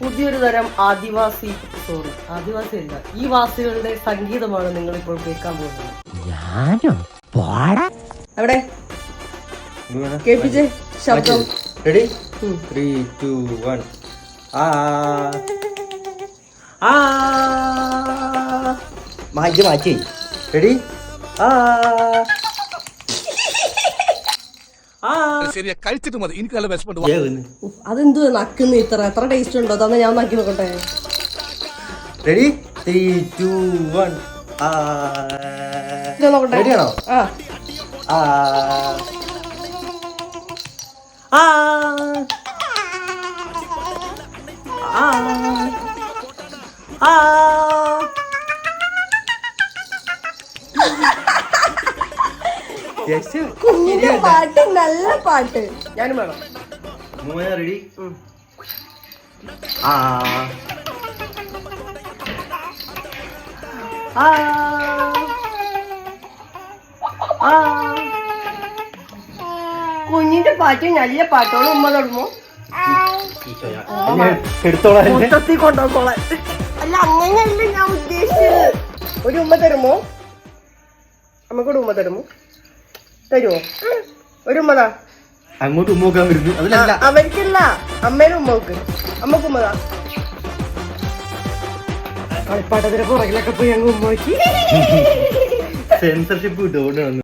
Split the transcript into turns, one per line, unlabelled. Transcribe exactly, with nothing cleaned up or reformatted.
പുതിയൊരു തരം ആദിവാസി സോറി ആദിവാസി അല്ല ഈ വാസികളുടെ സംഗീതമാണ് നിങ്ങൾ ഇപ്പോൾ കേൾക്കാൻ പോകുന്നത്. അവിടെ കേൾപ്പിച്ചേ ശബ്ദം.
Ready three two one. ആ ആ മാറ്റി മാറ്റി. റെഡി ആ
ശരിയാ, കഴിച്ചിട്ട് മതി. എനിക്ക് നല്ല വിശപ്പുണ്ട്.
അതെന്ത് നക്കുന്നു ഇത്ര എത്ര ടേസ്റ്റ് ഉണ്ടോ? തന്നെ ഞാൻ നക്കി നോക്കട്ടെ.
Ready three two one.
നോക്കട്ടെ.
റെഡിയാണോ?
ആ
ആ ആ ആ
കുഞ്ഞിന്റെ പാട്ട് നല്ല പാട്ട്. ഞാനും വേണം.
റെഡി ആ
ആ ആ കുഞ്ഞിന്റെ പാട്ട് നല്ല പാട്ടോളം ഉമ്മ തുടങ്ങുമോ?
എടുത്തോളാം.
മൊത്തത്തിൽ കൊണ്ടുപോകോളെ. അല്ല അങ്ങനെയല്ല ഞാൻ ഉദ്ദേശിച്ചത്. ഒരു ഉമ്മ തരുമോ? നമുക്കൊരു ഉമ്മ തരുമോ? തരുമോ? ഒരു ഉമ്മതാ.
അങ്ങോട്ട് ഉമ്മോക്കാൻ വരുന്നു. അതിലല്ല,
അവർക്കല്ല, അമ്മേനും ഉമ്മക്ക്. അമ്മക്ക് ഉമ്മതാ. കളിപ്പാട്ടത്തിന്റെ പുറകിലൊക്കെ പോയി അങ്ങ് ഉമ്മ നോക്കി.
സെൻസർഷിപ്പ് കിട്ടും.